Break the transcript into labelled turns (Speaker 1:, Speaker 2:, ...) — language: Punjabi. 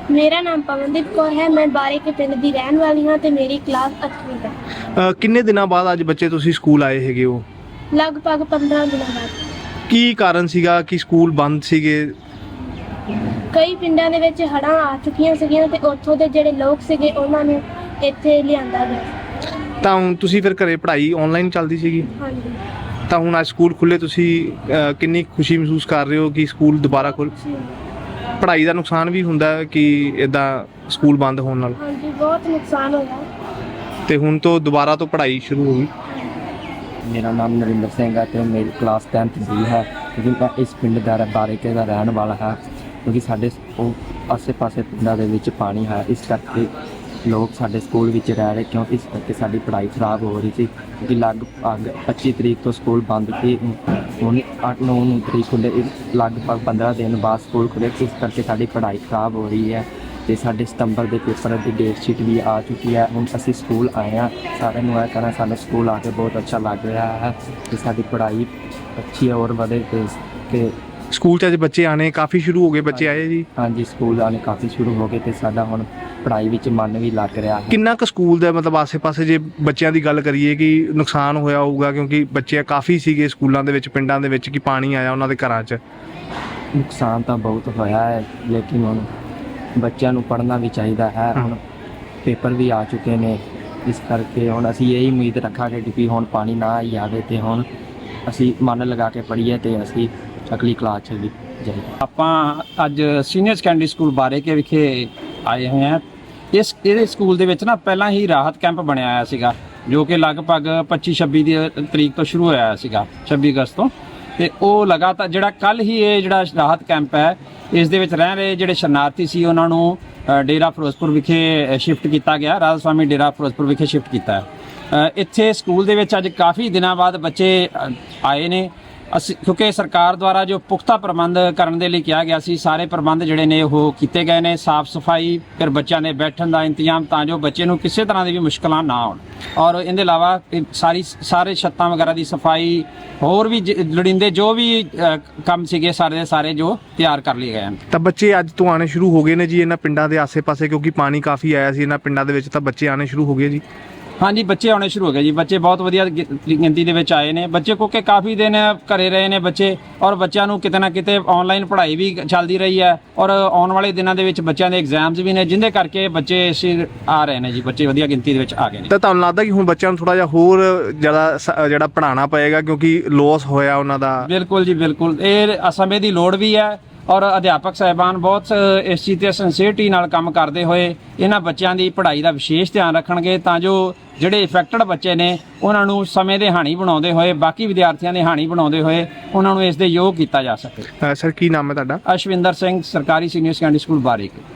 Speaker 1: ਮੇਰਾ ਨਾਮ ਪਵਨਦੀਪ ਕੌਰ ਹੈ। ਮੈਂ ਬਾਰੇ ਕੇ ਪਿੰਡ ਦੀ ਰਹਿਣ ਵਾਲੀ ਹਾਂ ਤੇ ਮੇਰੀ ਕਲਾਸ 8ਵੀਂ ਹੈ।
Speaker 2: ਕਿੰਨੇ ਦਿਨਾਂ ਬਾਅਦ ਅੱਜ ਬੱਚੇ ਤੁਸੀਂ ਸਕੂਲ ਆਏ ਹੈਗੇ ਹੋ?
Speaker 1: ਲਗਭਗ 15 ਦਿਨਾਂ ਬਾਅਦ।
Speaker 2: ਕੀ ਕਾਰਨ ਸੀਗਾ ਕਿ ਸਕੂਲ ਬੰਦ ਸੀਗੇ?
Speaker 1: ਕਈ ਪਿੰਡਾਂ ਦੇ ਵਿੱਚ ਹੜ੍ਹਾਂ ਆ ਚੁੱਕੀਆਂ ਸੀਗੀਆਂ ਤੇ ਉੱਥੋਂ ਦੇ ਜਿਹੜੇ ਲੋਕ ਸੀਗੇ ਉਹਨਾਂ ਨੂੰ ਇੱਥੇ ਲਿਆਂਦਾ ਗਿਆ।
Speaker 2: ਤਾਂ ਹੁਣ ਤੁਸੀਂ ਫਿਰ ਘਰੇ ਪੜ੍ਹਾਈ ਆਨਲਾਈਨ ਚੱਲਦੀ ਸੀਗੀ,
Speaker 1: ਹਾਂਜੀ।
Speaker 2: ਤਾਂ ਹੁਣ ਅੱਜ ਸਕੂਲ ਖੁੱਲੇ, ਤੁਸੀਂ ਕਿੰਨੀ ਖੁਸ਼ੀ ਮਹਿਸੂਸ ਕਰ ਰਹੇ ਹੋ ਕਿ ਸਕੂਲ ਦੁਬਾਰਾ ਖੁੱਲ? ਪੜ੍ਹਾਈ ਦਾ ਨੁਕਸਾਨ ਵੀ ਹੁੰਦਾ ਹੈ ਕਿ ਇਦਾਂ ਸਕੂਲ ਬੰਦ ਹੋਣ ਨਾਲ?
Speaker 1: ਹਾਂਜੀ, ਬਹੁਤ ਨੁਕਸਾਨ ਹੋਇਆ।
Speaker 2: ਤੇ ਹੁਣ ਤੋਂ ਦੁਬਾਰਾ ਤੋਂ ਪੜ੍ਹਾਈ ਸ਼ੁਰੂ ਹੋ ਗਈ।
Speaker 3: ਮੇਰਾ ਨਾਮ ਨਰਿੰਦਰ ਸਿੰਘ ਹੈ ਤੇ ਮੇਰੀ ਕਲਾਸ 10th ਦੀ ਹੈ ਕਿਉਂਕਿ ਮੈਂ ਇਸ ਪਿੰਡ ਦਾ ਬਾਰੇਕੇ ਦਾ ਰਹਿਣ ਵਾਲਾ ਹਾਂ। ਕਿਉਂਕਿ ਸਾਡੇ ਆਸੇ-ਪਾਸੇ ਪਿੰਡਾਂ ਦੇ ਵਿੱਚ ਪਾਣੀ ਹੈ, ਇਸ ਕਰਕੇ ਲੋਕ ਸਾਡੇ ਸਕੂਲ ਵਿੱਚ ਰਹਿ ਰਹੇ ਕਿਉਂਕਿ ਇਸ ਕਰਕੇ ਸਾਡੀ ਪੜ੍ਹਾਈ ਖਰਾਬ ਹੋ ਰਹੀ ਸੀ। ਕਿਉਂਕਿ ਲਗਭਗ 25 ਤਰੀਕ ਤੋਂ ਸਕੂਲ ਬੰਦ ਸੀ, ਹੁਣ 8-9 ਤਰੀਕ ਖੁੱਲ੍ਹੇ, ਲਗਭਗ 15 ਦਿਨ ਬਾਅਦ ਸਕੂਲ ਖੁੱਲ੍ਹੇ, ਇਸ ਕਰਕੇ ਸਾਡੀ ਪੜ੍ਹਾਈ ਖਰਾਬ ਹੋ ਰਹੀ ਹੈ। ਤੇ ਸਾਡੇ ਸਤੰਬਰ ਦੇ ਪੇਪਰ ਦੀ ਡੇਟ ਸ਼ੀਟ ਵੀ ਆ ਚੁੱਕੀ ਹੈ। ਹੁਣ ਅਸੀਂ ਸਕੂਲ ਆਏ ਹਾਂ, ਸਾਰਿਆਂ ਨੂੰ ਇਹ ਕਹਿਣਾ ਸਾਨੂੰ ਸਕੂਲ ਆ ਕੇ ਬਹੁਤ ਅੱਛਾ ਲੱਗ ਰਿਹਾ ਹੈ ਤੇ ਸਾਡੀ ਪੜ੍ਹਾਈ ਅੱਛੀ ਔਰ ਵਧੇ ਤੇ
Speaker 2: ਸਕੂਲ 'ਚ ਅੱਜ ਬੱਚੇ ਆਣੇ ਕਾਫੀ ਸ਼ੁਰੂ ਹੋ ਗਏ, ਬੱਚੇ ਆਏ ਜੀ?
Speaker 3: ਹਾਂਜੀ, ਸਕੂਲ ਆਉਣੇ ਕਾਫੀ ਸ਼ੁਰੂ ਹੋ ਗਏ ਤੇ ਸਾਡਾ ਹੁਣ ਪੜ੍ਹਾਈ ਵਿੱਚ ਮਨ ਵੀ ਲੱਗ ਰਿਹਾ ਹੈ।
Speaker 2: ਕਿੰਨਾ ਕੁ ਸਕੂਲ ਦਾ ਮਤਲਬ ਆਸੇ-ਪਾਸੇ ਜੇ ਬੱਚਿਆਂ ਦੀ ਗੱਲ ਕਰੀਏ ਕਿ ਨੁਕਸਾਨ ਹੋਇਆ ਹੋਊਗਾ, ਕਿਉਂਕਿ ਬੱਚੇ ਕਾਫੀ ਸੀਗੇ ਸਕੂਲਾਂ ਦੇ ਵਿੱਚ, ਪਿੰਡਾਂ ਦੇ ਵਿੱਚ, ਕਿ ਪਾਣੀ ਆਇਆ ਉਹਨਾਂ ਦੇ ਘਰਾਂ 'ਚ?
Speaker 3: ਨੁਕਸਾਨ ਤਾਂ ਬਹੁਤ ਹੋਇਆ ਹੈ, ਲੇਕਿਨ ਹੁਣ ਬੱਚਿਆਂ ਨੂੰ ਪੜ੍ਹਨਾ ਵੀ ਚਾਹੀਦਾ ਹੈ। ਹੁਣ ਪੇਪਰ ਵੀ ਆ ਚੁੱਕੇ ਨੇ, ਇਸ ਕਰਕੇ ਹੁਣ ਅਸੀਂ ਇਹੀ ਉਮੀਦ ਰੱਖਾਂਗੇ ਕਿ ਹੁਣ ਪਾਣੀ ਨਾ ਹੀ ਆਵੇ ਤੇ ਹੁਣ ਅਸੀਂ ਮਨ ਲਗਾ ਕੇ ਪੜ੍ਹੀਏ ਤੇ ਅਸੀਂ ਅਗਲੀ ਕਲਾਸ 'ਚ ਵੀ ਜਾਈਏ।
Speaker 4: ਆਪਾਂ ਅੱਜ ਸੀਨੀਅਰ ਸੈਕੰਡਰੀ ਸਕੂਲ ਬਾਰੇਕੇ ਵਿਖੇ ਆਏ ਹੋਏ ਹਾਂ। ਇਹਦੇ ਸਕੂਲ ਦੇ ਵਿੱਚ ਨਾ ਪਹਿਲਾਂ ਹੀ ਰਾਹਤ ਕੈਂਪ ਬਣਿਆ ਹੋਇਆ ਸੀਗਾ, ਜੋ ਕਿ ਲਗਭਗ 25-26 ਦੀ ਤਰੀਕ ਤੋਂ ਸ਼ੁਰੂ ਹੋਇਆ ਸੀਗਾ, 26 ਅਗਸਤ ਤੋਂ। ਤੇ ਉਹ ਲਗਾਤਾਰ ਜਿਹੜਾ ਕੱਲ ਹੀ ਇਹ ਜਿਹੜਾ ਰਾਹਤ ਕੈਂਪ ਹੈ, ਇਸ ਦੇ ਵਿੱਚ ਰਹਿ ਰਹੇ ਜਿਹੜੇ ਸ਼ਰਨਾਰਥੀ ਸੀ ਉਹਨਾਂ ਨੂੰ ਡੇਰਾ ਫਿਰੋਜ਼ਪੁਰ ਵਿਖੇ ਸ਼ਿਫਟ ਕੀਤਾ ਗਿਆ, ਰਾਧਾ ਸਵਾਮੀ ਡੇਰਾ ਫਿਰੋਜ਼ਪੁਰ ਵਿਖੇ ਸ਼ਿਫਟ ਕੀਤਾ ਹੈ। ਇੱਥੇ ਸਕੂਲ ਦੇ ਵਿੱਚ ਅੱਜ ਕਾਫੀ ਦਿਨਾਂ ਬਾਅਦ ਬੱਚੇ ਆਏ ਨੇ। ਅਸੀਂ ਕਿਉਂਕਿ ਸਰਕਾਰ ਦੁਆਰਾ ਜੋ ਪੁਖਤਾ ਪ੍ਰਬੰਧ ਕਰਨ ਦੇ ਲਈ ਕਿਹਾ ਗਿਆ ਸੀ, ਸਾਰੇ ਪ੍ਰਬੰਧ ਜਿਹੜੇ ਨੇ ਉਹ ਕੀਤੇ ਗਏ ਨੇ। ਸਾਫ਼ ਸਫਾਈ, ਫਿਰ ਬੱਚਿਆਂ ਦੇ ਬੈਠਣ ਦਾ ਇੰਤਜ਼ਾਮ, ਤਾਂ ਜੋ ਬੱਚੇ ਨੂੰ ਕਿਸੇ ਤਰ੍ਹਾਂ ਦੀ ਵੀ ਮੁਸ਼ਕਲਾਂ ਨਾ ਆਉਣ। ਔਰ ਇਹਦੇ ਇਲਾਵਾ ਸਾਰੇ ਛੱਤਾਂ ਵਗੈਰਾ ਦੀ ਸਫਾਈ, ਹੋਰ ਵੀ ਲੋੜੀਂਦੇ ਜੋ ਵੀ ਕੰਮ ਸੀਗੇ ਸਾਰੇ ਦੇ ਸਾਰੇ ਜੋ ਤਿਆਰ ਕਰ ਲਏ ਗਏ ਹਨ।
Speaker 2: ਤਾਂ ਬੱਚੇ ਅੱਜ ਤੋਂ ਆਣੇ ਸ਼ੁਰੂ ਹੋ ਗਏ ਨੇ ਜੀ ਇਹਨਾਂ ਪਿੰਡਾਂ ਦੇ ਆਸੇ-ਪਾਸੇ, ਕਿਉਂਕਿ ਪਾਣੀ ਕਾਫੀ ਆਇਆ ਸੀ ਇਹਨਾਂ ਪਿੰਡਾਂ ਦੇ ਵਿੱਚ, ਤਾਂ ਬੱਚੇ ਆਣੇ ਸ਼ੁਰੂ ਹੋ ਗਏ ਜੀ?
Speaker 4: ਹਾਂਜੀ, ਬੱਚੇ ਆਉਣੇ ਸ਼ੁਰੂ ਹੋ ਗਏ ਜੀ। ਬੱਚੇ ਬਹੁਤ ਵਧੀਆ ਗਿਣਤੀ ਦੇ ਵਿੱਚ ਆਏ ਨੇ ਬੱਚੇ, ਕਿਉਂਕਿ ਕਾਫੀ ਦਿਨ ਘਰੇ ਰਹੇ ਨੇ ਬੱਚੇ, ਔਰ ਬੱਚਿਆਂ ਨੂੰ ਕਿਤੇ ਨਾ ਕਿਤੇ ਆਨਲਾਈਨ ਪੜ੍ਹਾਈ ਵੀ ਚੱਲਦੀ ਰਹੀ ਹੈ, ਔਰ ਆਉਣ ਵਾਲੇ ਦਿਨਾਂ ਦੇ ਵਿੱਚ ਬੱਚਿਆਂ ਦੇ ਐਗਜ਼ਾਮਸ ਵੀ ਨੇ, ਜਿਹਦੇ ਕਰਕੇ ਬੱਚੇ ਆ ਰਹੇ ਨੇ ਜੀ। ਬੱਚੇ ਵਧੀਆ ਗਿਣਤੀ ਦੇ ਵਿੱਚ ਆ ਗਏ ਨੇ।
Speaker 2: ਤਾਂ ਤੁਹਾਨੂੰ ਲੱਗਦਾ ਕਿ ਹੁਣ ਬੱਚਿਆਂ ਨੂੰ ਥੋੜਾ ਜਿਹਾ ਹੋਰ ਜ਼ਿਆਦਾ ਜਿਹੜਾ ਪੜ੍ਹਾਉਣਾ ਪਏਗਾ, ਕਿਉਂਕਿ ਲੋਸ ਹੋਇਆ ਉਹਨਾਂ ਦਾ?
Speaker 4: ਬਿਲਕੁਲ ਜੀ, ਬਿਲਕੁਲ। ਇਹ ਸਮੇਂ ਦੀ ਲੋੜ ਵੀ ਹੈ, ਔਰ ਅਧਿਆਪਕ ਸਾਹਿਬਾਨ ਬਹੁਤ ਇਸ ਚੀਜ਼ ਤੇ ਸਿੰਸੀਅਰਟੀ ਨਾਲ ਕੰਮ ਕਰਦੇ ਹੋਏ ਇਹਨਾਂ ਬੱਚਿਆਂ ਦੀ ਪੜ੍ਹਾਈ ਦਾ ਵਿਸ਼ੇਸ਼ ਧਿਆਨ ਰੱਖਣਗੇ, ਤਾਂ ਜੋ ਜਿਹੜੇ ਇਫੈਕਟਡ ਬੱਚੇ ਨੇ ਉਹਨਾਂ ਨੂੰ ਸਮੇਂ ਦੇ ਹਾਣੀ ਬਣਾਉਂਦੇ ਹੋਏ, ਬਾਕੀ ਵਿਦਿਆਰਥੀਆਂ ਦੇ ਹਾਣੀ ਬਣਾਉਂਦੇ ਹੋਏ ਉਹਨਾਂ ਨੂੰ ਇਸ ਦੇ ਯੋਗ ਕੀਤਾ ਜਾ ਸਕੇ।
Speaker 2: ਸਰ, ਕੀ ਨਾਮ ਹੈ ਤੁਹਾਡਾ?
Speaker 4: ਅਸ਼ਵਿੰਦਰ ਸਿੰਘ, ਸਰਕਾਰੀ ਸੀਨੀਅਰ ਸੈਕੰਡਰੀ ਸਕੂਲ ਬਾਰੇਕੇ।